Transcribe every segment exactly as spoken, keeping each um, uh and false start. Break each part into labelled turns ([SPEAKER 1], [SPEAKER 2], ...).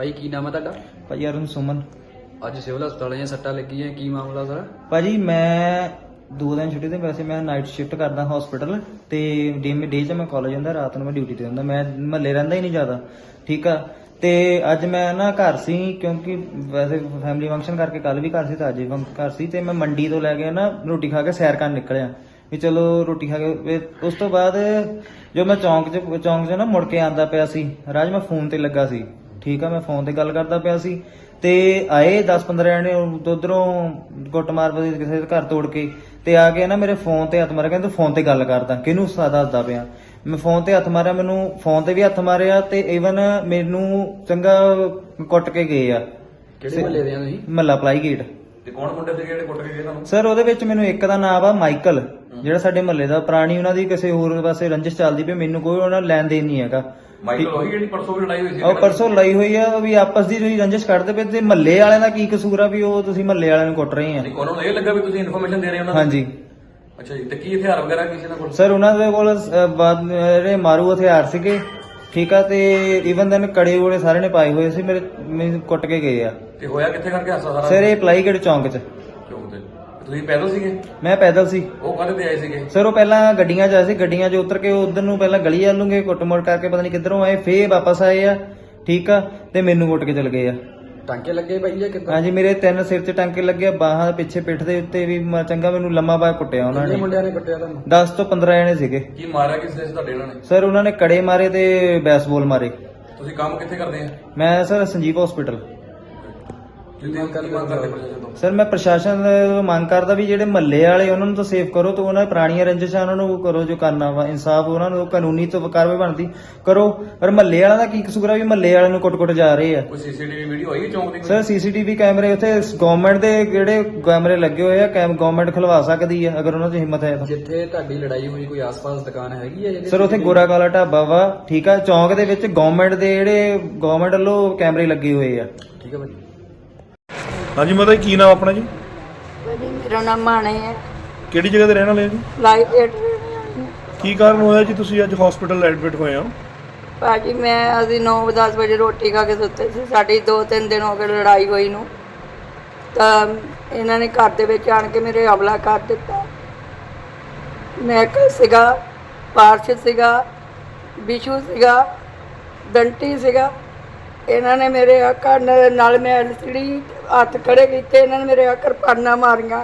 [SPEAKER 1] ਭਾਈ ਕੀ ਨਾਮ ਹੈ ਤੁਹਾਡਾ?
[SPEAKER 2] ਭਾਜੀ ਅਰੁਣ ਸੁਮਨ।
[SPEAKER 1] ਅੱਜ ਸਿਵਲ ਹਸਪਤਾਲ ਦੀਆਂ ਸੱਟਾਂ ਲੱਗੀਆਂ, ਕੀ ਮਾਮਲਾ ਸਰ?
[SPEAKER 2] ਭਾਜੀ ਮੈਂ ਦੋ ਦਿਨ ਛੁੱਟੀ ਤੇ, ਵੈਸੇ ਮੈਂ ਨਾਈਟ ਸ਼ਿਫਟ ਕਰਦਾ ਹਸਪੀਟਲ ਤੇ ਡੇ ਡੇ 'ਚ ਮੈਂ ਕਾਲਜ ਜਾਂਦਾ, ਰਾਤ ਨੂੰ ਮੈਂ ਡਿਊਟੀ ਤੇ ਹੁੰਦਾ। ਮੈਂ ਮਹੱਲੇ ਰਹਿੰਦਾ ਹੀ ਨਹੀਂ ਜ਼ਿਆਦਾ, ਠੀਕ ਆ। ਤੇ ਅੱਜ ਮੈਂ ਨਾ ਘਰ ਸੀ, ਕਿਉਂਕਿ ਵੈਸੇ ਫੈਮਿਲੀ ਫੰਕਸ਼ਨ ਕਰਕੇ ਕੱਲ ਵੀ ਘਰ ਸੀ ਤੇ ਅੱਜ ਵੀ ਘਰ ਸੀ। ਤੇ ਮੈਂ ਮੰਡੀ ਤੋਂ ਲੈ ਕੇ ਨਾ ਰੋਟੀ ਖਾ ਕੇ ਸੈਰ ਕਰਨ ਨਿਕਲਿਆ ਵੀ ਚਲੋ ਰੋਟੀ ਖਾ ਕੇ। ਉਸ ਤੋਂ ਬਾਅਦ ਜੋ ਮੈਂ ਚੌਂਕ 'ਚ ਚੌਂਕ 'ਚ ਨਾ ਮੁੜ ਕੇ ਆਉਂਦਾ ਪਿਆ ਸੀ, ਰਾਜ ਮੈਂ ਫੋਨ ਤੇ ਲੱਗਾ ਸੀ, ਠੀਕ ਆ। ਮੈਂ ਫੋਨ ਤੇ ਗੱਲ ਕਰਦਾ ਪਿਆ ਸੀ ਤੇ ਆਏ ਦਸ ਪੰਦਰਾਂ ਜਣੇ ਉਧਰੋਂ ਗੁੱਟ ਮਾਰ ਪਏ ਕਿਸੇ ਦੇ ਘਰ ਤੋੜ ਕੇ, ਤੇ ਆ ਕੇ ਨਾ ਮੇਰੇ ਫੋਨ ਤੇ ਹੱਥ ਮਾਰਿਆ, ਕਹਿੰਦੇ ਫੋਨ ਤੇ ਗੱਲ ਕਰਦਾ, ਕਿਹਨੂੰ ਦੱਸਦਾ ਪਿਆ। ਮੈਂ ਫੋਨ ਤੇ ਹੱਥ ਮਾਰਿਆ, ਮੈਨੂੰ ਫੋਨ ਤੇ ਵੀ ਹੱਥ ਮਾਰਿਆ ਤੇ ਈਵਨ ਮੈਨੂੰ ਚੰਗਾ ਕੁੱਟ ਕੇ ਗਏ ਆ।
[SPEAKER 1] ਕਿਹੜੇ ਮਹੱਲੇ ਦੇ ਆ ਤੁਸੀਂ?
[SPEAKER 2] ਮਹੱਲਾ ਪਲਾਈ ਗੇਟ।
[SPEAKER 3] ਤੇ ਕੌਣ ਮੁੰਡੇ ਤੇ ਜਿਹੜੇ ਕੁੱਟ ਕੇ ਗਏ ਤੁਹਾਨੂੰ?
[SPEAKER 2] ਸਰ ਉਹਦੇ ਵਿੱਚ ਮੈਨੂੰ ਇੱਕ ਦਾ ਨਾਮ ਆ ਮਾਈਕਲ, ਜਿਹੜਾ ਸਾਡੇ ਮਹੱਲੇ ਦਾ, ਪੁਰਾਣੀ ਉਹਨਾਂ ਦੀ ਕਿਸੇ ਹੋਰ ਪਾਸੇ ਰੰਜਿਸ਼ ਚੱਲਦੀ ਪਈ, ਮੈਨੂੰ ਕੋਈ ਉਹਨਾਂ ਲੈਣ ਦੇਣ ਨਹੀਂ ਹੈਗਾ।
[SPEAKER 3] ਮਾਈਕਲ ਉਹੀ ਜਿਹੜੀ ਪਰਸੋਂ ਵੀ ਲੜਾਈ ਹੋਈ ਸੀ?
[SPEAKER 2] ਉਹ ਪਰਸੋਂ ਲੜਾਈ ਹੋਈ ਆ, ਵੀ ਆਪਸ ਦੀ ਜਿਹੜੀ ਰੰਜਿਸ਼ ਕੱਢਦੇ ਪਏ, ਤੇ ਮਹੱਲੇ ਵਾਲਿਆਂ ਦਾ ਕੀ ਕਸੂਰ ਆ ਵੀ ਉਹ ਤੁਸੀਂ ਮਹੱਲੇ ਵਾਲਿਆਂ ਨੂੰ ਕੁੱਟ ਰਹੇ ਆ?
[SPEAKER 3] ਉਹਨਾਂ ਨੂੰ ਇਹ ਲੱਗਾ ਵੀ ਤੁਸੀਂ ਇਨਫੋਰਮੇਸ਼ਨ ਦੇ ਰਹੇ ਹੋ ਉਹਨਾਂ ਨੂੰ?
[SPEAKER 2] ਹਾਂਜੀ।
[SPEAKER 3] ਅੱਛਾ ਜੀ, ਤੇ ਕੀ ਹਥਿਆਰ ਵਗੈਰਾ ਕਿਸੇ ਨਾਲ ਕੋਲ?
[SPEAKER 2] ਸਰ ਉਹਨਾਂ ਦੇ ਕੋਲ ਅਹ, ਬਾਦ ਜਿਹੜੇ ਮਾਰੂ ਹਥਿਆਰ ਸੀਗੇ, ਠੀਕ ਆ। ਤੇ ਈਵਨ ਦੈਨ ਕੜੇ ਵੜੇ ਸਾਰੇ ਨੇ ਪਾਏ ਹੋਏ ਸੀ, ਮੇਰੇ ਮੈਨੂੰ ਕੁੱਟ ਕੇ ਗਏ ਆ।
[SPEAKER 3] ਤੇ ਹੋਇਆ ਕਿੱਥੇ ਕਰਕੇ ਹਾਸਾ ਸਾਰਾ?
[SPEAKER 2] ਸਰ ਇਹ ਪਲਾਈਗੜ ਚੌਂਕ 'ਚ।
[SPEAKER 3] ਚੌਂਕ ਤੇ ਤੁਸੀਂ ਪੈਦਲ ਸੀਗੇ?
[SPEAKER 2] ਮੈਂ ਪੈਦਲ ਸੀ।
[SPEAKER 3] ਉਹ ਕਾਹਦੇ ਤੇ ਆਏ ਸੀਗੇ?
[SPEAKER 2] ਸਰ ਉਹ ਪਹਿਲਾਂ ਗੱਡੀਆਂ 'ਚ ਆਏ ਸੀ, ਗੱਡੀਆਂ 'ਚ ਉਤਰ ਕੇ ਉਧਰ ਨੂੰ ਪਹਿਲਾਂ ਗਲੀ ਵੱਲ ਨੂੰ ਗਏ, ਕੁੱਟ ਮੋੜ ਕਰਕੇ ਪਤਾ ਨਹੀਂ ਕਿੱਧਰੋਂ ਆਏ, ਫੇਰ ਵਾਪਸ ਆਏ ਆ, ਠੀਕ ਆ। ਤੇ ਮੈਨੂੰ ਕੁੱਟ ਕੇ ਚਲ ਗਏ ਆ।
[SPEAKER 1] ਟਾਂਕੇ ਲੱਗੇ ਭਾਈ ਜਾਂ ਕਿੱਦਾਂ?
[SPEAKER 2] ਹਾਂਜੀ, ਮੇਰੇ ਤਿੰਨ ਸਿਰ 'ਚ ਟਾਂਕੇ ਲੱਗੇ, ਬਾਹਾਂ ਪਿੱਛੇ ਪਿੱਠ ਦੇ ਉੱਤੇ ਵੀ ਮ- ਚੰਗਾ ਮੈਨੂੰ ਲੰਮਾ ਬਾਹ ਕੁੱਟਿਆ ਉਹਨਾਂ
[SPEAKER 1] ਕਿੰਨੇ
[SPEAKER 2] ਨੇ।
[SPEAKER 1] ਮੁੰਡਿਆਂ ਨੇ ਕੁੱਟਿਆ ਤੁਹਾਨੂੰ?
[SPEAKER 2] ਦਸ ਤੋਂ ਪੰਦਰਾਂ ਜਣੇ ਸੀਗੇ।
[SPEAKER 3] ਕੀ ਮਾਰਿਆ ਕਿਸ ਨੇ ਤੁਹਾਡੇ ਇਹਨਾਂ ਨੇ?
[SPEAKER 2] ਸਰ ਉਹਨਾਂ ਨੇ ਕੜੇ ਮਾਰੇ ਤੇ ਬੈਸਬਾਲ ਮਾਰੇ।
[SPEAKER 3] ਤੁਸੀਂ ਕੰਮ ਕਿੱਥੇ ਕਰਦੇ ਆ?
[SPEAKER 2] ਮੈਂ ਸਰ ਸੰਜੀਵ ਹਸਪੀਟਲ।
[SPEAKER 3] ਕੀ ਮੰਗ ਕਰਦੇ ਪ੍ਰਸ਼ਾਸਨ ਤੋਂ?
[SPEAKER 2] ਸਰ ਮੈਂ ਪ੍ਰਸ਼ਾਸਨ ਤੋਂ ਮੰਗ ਕਰਦਾ ਵੀ ਜਿਹੜੇ ਮਹੱਲੇ ਵਾਲੇ ਉਹਨਾਂ ਨੂੰ ਤਾਂ ਸੇਫ ਕਰੋ, ਤੇ ਉਹਨਾਂ ਦੀ ਪੁਰਾਣੀਆਂ ਰੰਜਿਸ਼ਾਂ ਉਹਨਾਂ ਨੂੰ ਕਰੋ, ਜੋ ਕਰਨਾ ਵਾ ਇਨਸਾਫ ਉਹਨਾਂ ਨੂੰ ਕਾਨੂੰਨੀ ਤੋਂ ਕਾਰਵਾਈ ਬਣਦੀ ਕਰੋ। ਪਰ ਮਹੱਲੇ ਵਾਲਿਆਂ ਦਾ ਕੀ ਕਸੂਰ ਆ ਵੀ ਮਹੱਲੇ ਵਾਲਿਆਂ ਨੂੰ ਕੁੱਟ-ਕੁੱਟ ਜਾ ਰਹੇ ਆ?
[SPEAKER 3] ਕੋਈ ਸੀਸੀਟੀਵੀ ਵੀਡੀਓ ਆਈ ਚੌਂਕ ਦੀ?
[SPEAKER 2] ਸਰ ਸੀਸੀਟੀਵੀ ਕੈਮਰੇ ਉੱਥੇ ਗਵਰਨਮੈਂਟ ਦੇ ਜਿਹੜੇ ਕੈਮਰੇ ਲੱਗੇ ਹੋਏ ਆ, ਗਵਰਨਮੈਂਟ ਖਲਵਾ ਸਕਦੀ ਆ ਅਗਰ ਉਹਨਾਂ 'ਚ ਹਿੰਮਤ ਹੈ ਤਾਂ।
[SPEAKER 1] ਜਿੱਥੇ ਤੁਹਾਡੀ ਲੜਾਈ ਹੋਈ ਕੋਈ ਆਸ-ਪਾਸ ਦੁਕਾਨ ਹੈਗੀ ਹੈ ਜਿਹਦੇ?
[SPEAKER 2] ਸਰ ਉੱਥੇ ਗੋਰਾ ਕਾਲਾ ਢਾਬਾ ਵਾ, ਠੀਕ ਆ। ਚੌਂਕ ਦੇ ਵਿੱਚ ਗਵਰਨਮੈਂਟ ਦੇ ਜਿਹੜੇ ਗਵਰਨਮੈਂਟ ਵੱਲੋਂ ਕੈਮਰੇ ਲੱਗੇ ਹੋਏ ਆ।
[SPEAKER 1] ਠੀਕ ਹੈ ਭਾਈ।
[SPEAKER 4] ਹਾਂਜੀ ਮਾਤਾ ਜੀ, ਕੀ ਨਾਮ ਆਪਣਾ ਜੀ?
[SPEAKER 5] ਭਾਜੀ ਮੇਰਾ ਨਾਮ ਮਾਣੇ ਹੈ,
[SPEAKER 4] ਕਿਹੜੀ ਜਗ੍ਹਾ ਤੇ ਰਹਿਣ ਵਾਲੇ ਆ ਜੀ?
[SPEAKER 5] Life aid.
[SPEAKER 4] ਕੀ ਕਾਰਨ ਹੋਇਆ ਜੀ ਤੁਸੀਂ ਅੱਜ ਹਸਪੀਟਲ ਐਡਮਿਟ ਹੋਏ ਹੋ?
[SPEAKER 5] ਭਾਜੀ ਮੈਂ ਅਸੀਂ ਨੌ ਦਸ ਵਜੇ ਰੋਟੀ ਖਾ ਕੇ ਸੁੱਤੇ ਸੀ, ਸਾਡੀ ਦੋ ਤਿੰਨ ਦਿਨ ਹੋ ਗਏ ਲੜਾਈ ਹੋਈ ਨੂੰ। ਤਾਂ ਇਹਨਾਂ ਨੇ ਘਰ ਦੇ ਵਿੱਚ ਆਣ ਕੇ ਮੇਰੇ ਹਮਲਾ ਕਰ ਦਿੱਤਾ। ਮੈਂ ਸੀਗਾ, ਪਾਰਸ਼ ਸੀਗਾ, ਬਿਸ਼ੂ ਸੀਗਾ, ਦੰਟੀ ਸੀਗਾ। ਇਹਨਾਂ ਨੇ ਮੇਰੇ ਆ ਕੰਨ ਨਾਲ ਮੈਂ ਐਲਸੀਡੀ ਹੱਥ ਖੜੇ ਕੀਤੇ, ਇਹਨਾਂ ਨੇ ਮੇਰੇ ਆ ਕਿਰਪਾਨਾਂ ਮਾਰੀਆਂ,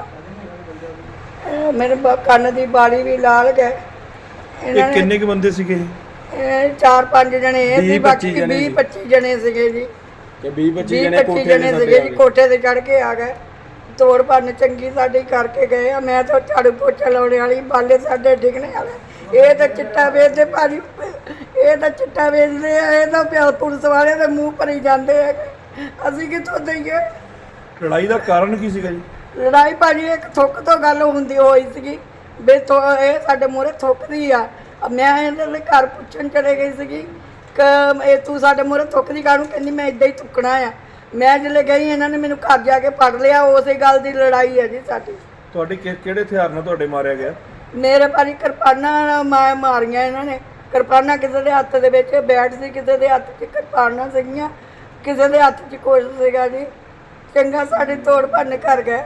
[SPEAKER 5] ਇਹ ਮੇਰੇ ਬ- ਕੰਨ ਦੀ ਬਾਲੀ ਵੀ ਲਾਲ ਗਏ। ਇਹਨਾਂ
[SPEAKER 4] ਇਹ
[SPEAKER 5] ਨੇ
[SPEAKER 4] ਕਿੰਨੇ ਕੁ ਬੰਦੇ ਸੀਗੇ?
[SPEAKER 5] ਇਹ ਚਾਰ ਪੰਜ ਜਣੇ ਇਹ ਸੀ, ਬਾਕੀ ਵੀਹ ਪੱਚੀ ਜਣੇ ਸੀਗੇ ਜੀ।
[SPEAKER 1] ਤੇ ਵੀਹ ਪੱਚੀ
[SPEAKER 5] ਵੀਹ ਪੱਚੀ ਜਣੇ ਸੀਗੇ ਜੀ, ਕੋਠੇ ਤੇ ਚੜ ਕੇ ਆ ਗਏ, ਤੋੜ ਭੰਨ ਚੰਗੀ ਸਾਡੀ ਕਰਕੇ ਗਏ ਆ। ਮੈਂ ਤਾਂ ਝਾੜੂ ਪੋਚਾ ਲਾਉਣੇ ਵਾਲੀ, ਬਾਲੇ ਸਾਡੇ ਡਿੱਗਣੇ ਵਾਲੇ। ਇਹ ਤਾਂ ਚਿੱਟਾ ਵੇਚਦੇ ਭਾਜੀ, ਇਹ ਤਾਂ ਚਿੱਟਾ ਵੇਚਦੇ ਆ, ਇਹ ਤਾਂ ਪਿਆ ਪੁਲਿਸ ਵਾਲੇ ਦੇ ਮੂੰਹ ਭਰੀ ਜਾਂਦੇ ਹੈਗੇ, ਅਸੀਂ ਕਿੱਥੋਂ ਦਈਏ?
[SPEAKER 4] ਲੜਾਈ ਦਾ ਕਾਰਨ ਕੀ ਸੀਗਾ ਜੀ?
[SPEAKER 5] ਲੜਾਈ ਭਾਜੀ ਇੱਕ ਥੁੱਕ ਤੋਂ ਗੱਲ ਹੁੰਦੀ ਹੋਈ ਸੀਗੀ ਵੀ ਥੋ ਇਹ ਸਾਡੇ ਮੂਹਰੇ ਥੁੱਕਦੀ ਆ। ਮੈਂ ਇਹਨਾਂ ਦੇ ਘਰ ਪੁੱਛਣ ਚਲੇ ਗਈ ਸੀਗੀ ਕਿ ਇਹ ਤੂੰ ਸਾਡੇ ਮੂਹਰੇ ਥੁੱਕਦੀ ਕਾਹਨੂੰ? ਕਹਿੰਦੀ ਮੈਂ ਇੱਦਾਂ ਹੀ ਥੁੱਕਣਾ ਆ। ਮੈਂ ਜਦੋਂ ਗਈ ਇਹਨਾਂ ਨੇ ਮੈਨੂੰ ਘਰ ਜਾ ਕੇ ਫੜ ਲਿਆ। ਉਸੇ ਗੱਲ ਦੀ ਲੜਾਈ ਹੈ ਜੀ ਸਾਡੀ।
[SPEAKER 4] ਤੁਹਾਡੇ ਕਿ- ਕਿਹੜੇ ਹਥਿਆਰ ਨਾਲ ਤੁਹਾਡੇ ਮਾਰਿਆ ਗਿਆ?
[SPEAKER 5] ਮੇਰੇ ਭਾਜੀ ਕਿਰਪਾਨਾਂ ਮੈਂ ਮਾਰੀਆਂ ਇਹਨਾਂ ਨੇ। ਕਿਰਪਾਨਾਂ ਕਿਸੇ ਦੇ ਹੱਥ ਦੇ ਵਿੱਚ ਬੈਟ ਸੀ, ਕਿਸੇ ਦੇ ਹੱਥ 'ਚ ਕਿਰਪਾਨਾਂ ਸੀਗੀਆਂ, ਕਿਸੇ ਦੇ ਹੱਥ 'ਚ ਕੁਛ ਸੀਗਾ ਜੀ। ਚੰਗਾ ਸਾਡੀ ਤੋੜ ਭੰਨ ਕਰ ਗਏ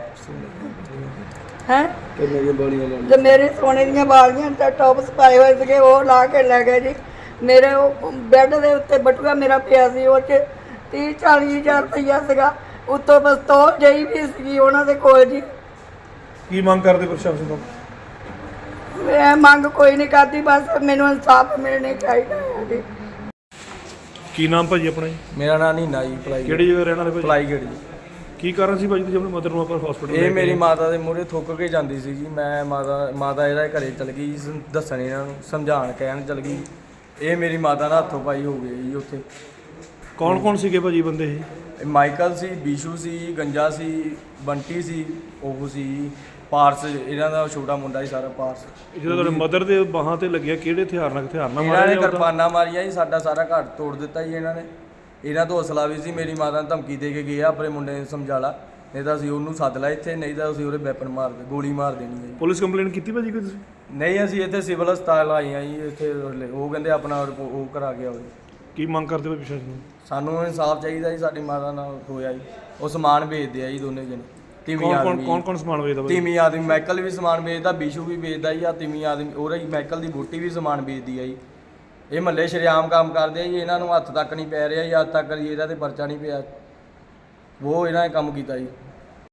[SPEAKER 5] ਹੈਂ। ਤੇ ਮੇਰੇ ਸੋਨੇ ਦੀਆਂ ਵਾਲੀਆਂ ਤੇ ਟੌਪਸ ਪਾਏ ਹੋਏ ਸੀਗੇ, ਉਹ ਲਾ ਕੇ ਲੈ ਗਏ ਜੀ। ਮੇਰੇ ਉਹ ਬੈੱਡ ਦੇ ਉੱਤੇ ਬਟੂਆ ਮੇਰਾ ਪਿਆ ਸੀ, ਉਹ 'ਚ ਤੀਹ ਚਾਲੀ ਹਜ਼ਾਰ ਰੁਪਈਆ ਸੀਗਾ, ਉੱਤੋਂ ਪਿਸਤੌਲ ਜਿਹੀ ਵੀ ਸੀਗੀ ਉਹਨਾਂ ਦੇ ਕੋਲ ਜੀ।
[SPEAKER 4] ਕੀ ਮੰਗ ਕਰਦੇ ਪ੍ਰਸ਼ਾਸਨ ਤੋਂ?
[SPEAKER 5] ਮੈਂ ਮੰਗ ਕੋਈ ਨਹੀਂ ਕਰਦੀ, ਬਸ ਮੈਨੂੰ ਇਨਸਾਫ ਮਿਲਣਾ ਚਾਹੀਦਾ ਹੈ ਜੀ।
[SPEAKER 4] ਕੀ ਨਾਮ ਭਾਜੀ ਆਪਣਾ ਜੀ?
[SPEAKER 6] ਮੇਰਾ ਨਾਂ ਨੀਨਾ ਜੀ, ਭਲਾਈ
[SPEAKER 4] ਕਿਹੜੀ ਜਗ੍ਹਾ ਰਹਿਣ ਵਾਲੇ ਭਾਜੀ?
[SPEAKER 6] ਭਲਾਈਗੜ੍ਹ ਜੀ।
[SPEAKER 4] ਕੀ ਕਾਰਨ ਸੀ ਭਾਜੀ ਤੁਸੀਂ ਆਪਣੀ ਮਦਰ ਨੂੰ ਆਪਾਂ ਹਸਪੀਟਲ?
[SPEAKER 6] ਇਹ ਮੇਰੀ ਮਾਤਾ ਦੇ ਮੂਹਰੇ ਥੁੱਕ ਕੇ ਜਾਂਦੀ ਸੀ ਜੀ। ਮੈਂ ਮਾਤਾ ਮਾਤਾ ਇਹਦਾ ਘਰੇ ਚਲ ਗਈ ਜੀ, ਦੱਸਣ ਇਹਨਾਂ ਨੂੰ ਸਮਝਾਉਣ ਕਹਿਣ ਚਲ ਗਈ। ਇਹ ਮੇਰੀ ਮਾਤਾ ਦਾ ਹੱਥੋਂ ਪਾਈ ਹੋ ਗਈ ਜੀ ਉੱਥੇ।
[SPEAKER 4] ਕੌਣ ਕੌਣ ਸੀਗੇ ਭਾਜੀ ਬੰਦੇ ਇਹ?
[SPEAKER 6] ਇਹ ਮਾਈਕਲ ਸੀ, ਬਿਸ਼ੂ ਸੀ, ਗੰਜਾ ਸੀ, ਬੰਟੀ ਸੀ, ਉਹ ਸੀ ਪਾਰਸ, ਇਹਨਾਂ ਦਾ ਛੋਟਾ ਮੁੰਡਾ ਸੀ ਸਾਰਾ ਪਾਰਸ।
[SPEAKER 4] ਜਦੋਂ ਤੁਹਾਡੇ ਮਦਰ ਦੇ ਬਾਹਾਂ ਤੇ ਲੱਗਿਆ, ਕਿਹੜੇ ਹਥਿਆਰ ਨਾਲ ਹਥਿਆਰ ਨਾਲ
[SPEAKER 6] ਇਹਨਾਂ ਨੇ
[SPEAKER 4] ਮਾਰਿਆ?
[SPEAKER 6] ਕਿਰਪਾਨਾਂ ਮਾਰੀਆਂ ਜੀ, ਸਾਡਾ ਸਾਰਾ ਘਰ ਤੋੜ ਦਿੱਤਾ ਜੀ ਇਹਨਾਂ ਨੇ। ਇਹਨਾਂ ਤੋਂ ਹੌਸਲਾ ਵੀ ਸੀ, ਮੇਰੀ ਮਾਤਾ ਨੂੰ ਧਮਕੀ ਦੇ ਕੇ ਗਏ ਆ ਆਪਣੇ ਮੁੰਡੇ ਨੂੰ ਸਮਝਾ ਲਾ, ਨਹੀਂ ਤਾਂ ਅਸੀਂ ਉਹਨੂੰ ਸੱਦ ਲਾ ਇੱਥੇ, ਨਹੀਂ ਤਾਂ ਅਸੀਂ ਉਹਦੇ ਵੈਪਨ ਮਾਰ ਦੇ ਗੋਲੀ ਮਾਰ ਦੇਣੀ ਹੈ ਜੀ।
[SPEAKER 4] ਪੁਲਿਸ ਕੰਪਲੇਂਟ ਕੀਤੀ ਭਾਜੀ ਕੋਈ ਤੁਸੀਂ?
[SPEAKER 6] ਨਹੀਂ ਅਸੀਂ ਇੱਥੇ ਸਿਵਲ ਹਸਪਤਾਲ ਆਏ ਹਾਂ ਜੀ। ਇੱਥੇ ਉਹ ਕਹਿੰਦੇ ਆਪਣਾ ਉਹ ਕਰਾ ਕੇ ਆਓ ਜੀ।
[SPEAKER 4] ਕੀ ਮੰਗ ਕਰਦੇ ਹੋ ਪ੍ਰਸ਼ਾਸਨ ਨੂੰ?
[SPEAKER 6] ਸਾਨੂੰ ਇਨਸਾਫ ਚਾਹੀਦਾ ਜੀ, ਸਾਡੀ ਮਾਤਾ ਨਾਲ ਹੋਇਆ ਜੀ। ਉਹ ਸਮਾਨ ਵੇਚਦੇ ਆ ਜੀ ਦੋਨੇ ਜਣੇ, ਤਿਮੀ
[SPEAKER 4] ਕੌਣ ਕੌਣ
[SPEAKER 6] ਆਦਮੀ
[SPEAKER 4] ਕੌਣ ਕੌਣ ਸਮਾਨ ਵੇਚਦਾ ਭਾਈ?
[SPEAKER 6] ਤਿਮੀ ਆਦਮੀ ਮਾਈਕਲ ਵੀ ਸਮਾਨ ਵੇਚਦਾ, ਬਿਸ਼ੂ ਵੀ ਵੇਚਦਾ ਜੀ, ਆ ਤਿਮੀ ਆਦਮੀ ਉਹਦਾ ਜੀ ਮਾਈਕਲ ਦੀ ਬੋਟੀ ਵੀ ਸਮਾਨ ਵੇਚਦੀ ਆ ਜੀ। ਇਹ ਮਹੱਲੇ ਸ਼ਰੇਆਮ ਕੰਮ ਕਰਦੇ ਆ ਜੀ, ਇਹਨਾਂ ਨੂੰ ਹੱਥ ਤੱਕ ਨਹੀਂ ਪੈ ਰਿਹਾ ਜੀ, ਅੱਜ ਤੱਕ ਜੀ ਇਹਦਾ ਤੇ ਪਰਚਾ ਨਹੀਂ ਪਿਆ। ਉਹ ਇਹਨਾਂ ਨੇ ਕੰਮ ਕੀਤਾ ਜੀ।